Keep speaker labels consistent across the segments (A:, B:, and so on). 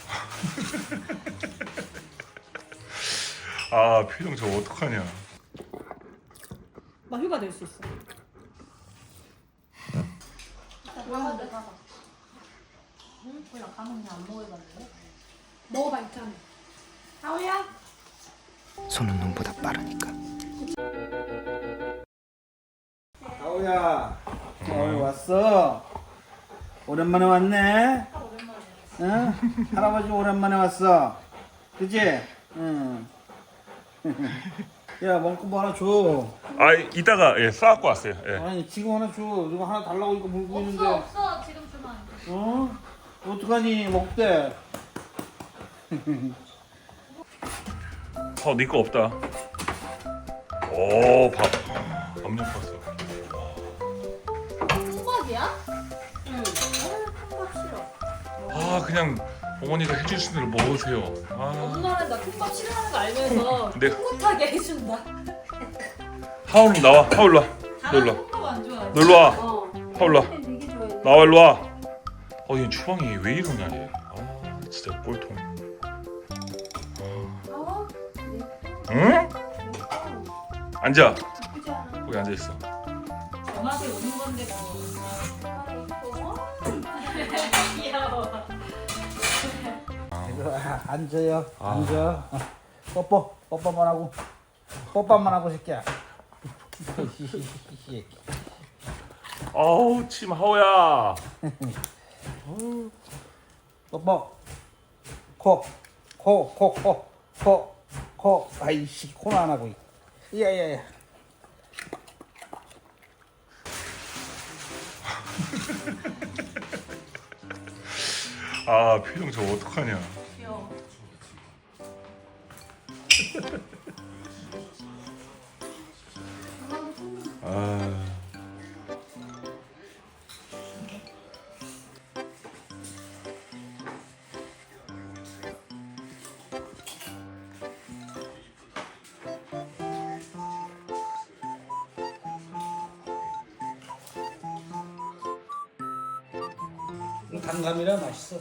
A: 아 표정 저거 어떡하냐.
B: 나 휴가 낼 수 있어.
C: 내가 응? 몰라 가면 그냥 안 먹어봤는데.
B: 먹어봐 있잖아. 하우야.
D: 손은 눈보다 빠르니까.
E: 아우야, 왔어. 오랜만에 왔네. 응? 할아버지 오랜만에 왔어. 그치? 응. 야, 먹고 뭐 하나 줘.
A: 아 이따가 예 싸갖고 왔어요. 예.
E: 아니, 지금 하나 줘. 누가 하나 달라고 이거 물고 있는데.
C: 없어 지금 주면 안 돼.
E: 어? 어떡하니, 먹대.
A: 네 거 없다. 오 밥 엄청 컸어.
C: 통밥이야? 응. 통밥 싫어.
A: 아 그냥 어머니가 해주신 대로 먹으세요. 아
B: 엄마는 나 통밥 싫어하는 거 알면서
A: 네.
B: 꿋꿋하게 해준다.
A: 하울 나와. 하울 와. 너 일로 와.
B: 통밥 안 좋아해.
A: 너 일로 와.
B: 어.
A: 하울 와.
B: 되게 좋아해.
A: 나와 일로 와. 얘 주방이 왜 이러냐 얘. 아 진짜 꼴통. 응? 앉아. 거기 앉아 있어.
B: 엄마한테 오는 건데 뭐. 귀여워.
E: 이거 앉아요.
A: 아.
E: 앉아. 뽀뽀. 뽀뽀만 하고. 뽀뽀만 하고, 새끼야.
A: 아우 침 하우야.
E: 뽀뽀. 코. 아이씨, 코는 안 하고. 야야야.
A: 아 표정 저거 어떡하냐.
B: 귀여워.
A: 아
E: 단감이라 맛있어.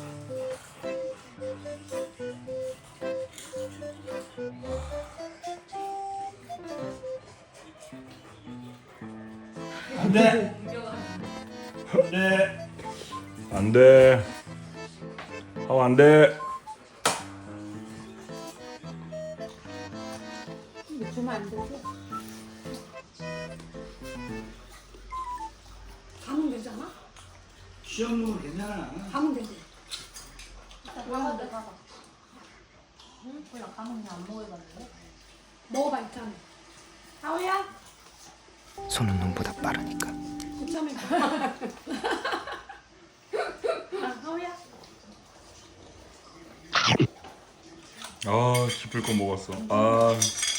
E: 안 돼. 안 돼.
A: 안 돼. 하우 안 돼.
B: 이거 주면 안 되지? 가면 되잖아?
E: 시험 먹으면 괜찮아.
B: 가면 되지.
C: 가봐 내가. 응? 몰라 가면 그냥 안 먹어봤는데.
B: 먹어봐 있잖아. 하우야.
D: 손은 눈보다 빠르니까.
B: 고참해. 하우야.
A: 아 기쁠 거 먹었어. 아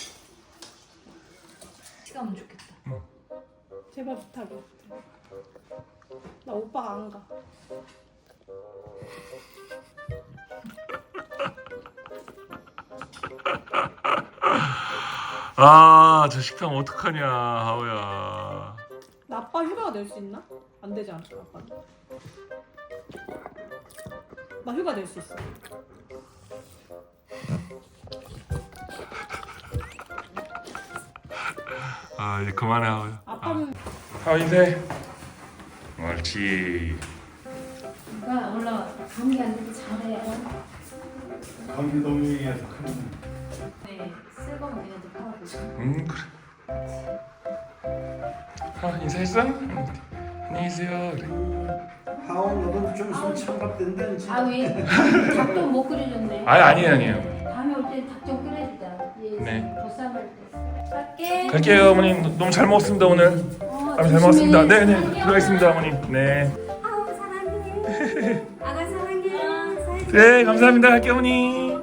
C: 시간은 좋겠다.
B: 제발 부탁해. 나 오빠가 안 가.
A: 아, 저 식당 어떡하냐, 하우야.
B: 나 아빠 휴가 낼 수 있나? 안 되지 않을까 아빠는? 나 휴가 낼 수 있어.
A: 아, 이제 그만해, 하우야.
B: 아빠는
A: 하우 인사해. 옳지.
C: 누가 올라와. 감기 안 되게 잘해.
E: 감기 너무 유행해서 큰일.
C: 네. 쓸거면 내가 이제 팔아보자.
A: 그래. 하우 인사했어? 안녕히 계세요. 그래.
E: 하원 너도 좀 있으면 참갑된다 이제.
C: 아왜 닭 좀 못 끓여줬네.
A: 아니에요.
C: 다음에 올 때 닭 좀 끓여주자. 얘
A: 네.
C: 보쌈할 때. 갈게.
A: 갈게요, 어머님. 너무 잘 먹었습니다, 오늘. 잘 먹었습니다. 네네. 들어가겠습니다, 어머님. 네.
C: 아우 사랑해. 아가 사랑해.
A: 네, 감사합니다. 갈게요, 어머니.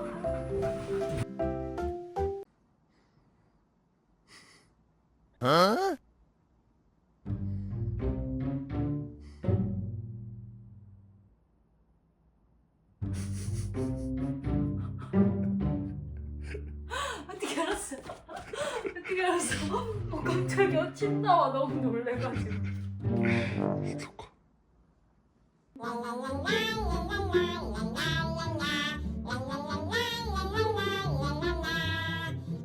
B: 어떻게 알았어? 어떻게 알았어? 깜짝이야. 침 나와 너무 놀래가지고.
A: 좋고.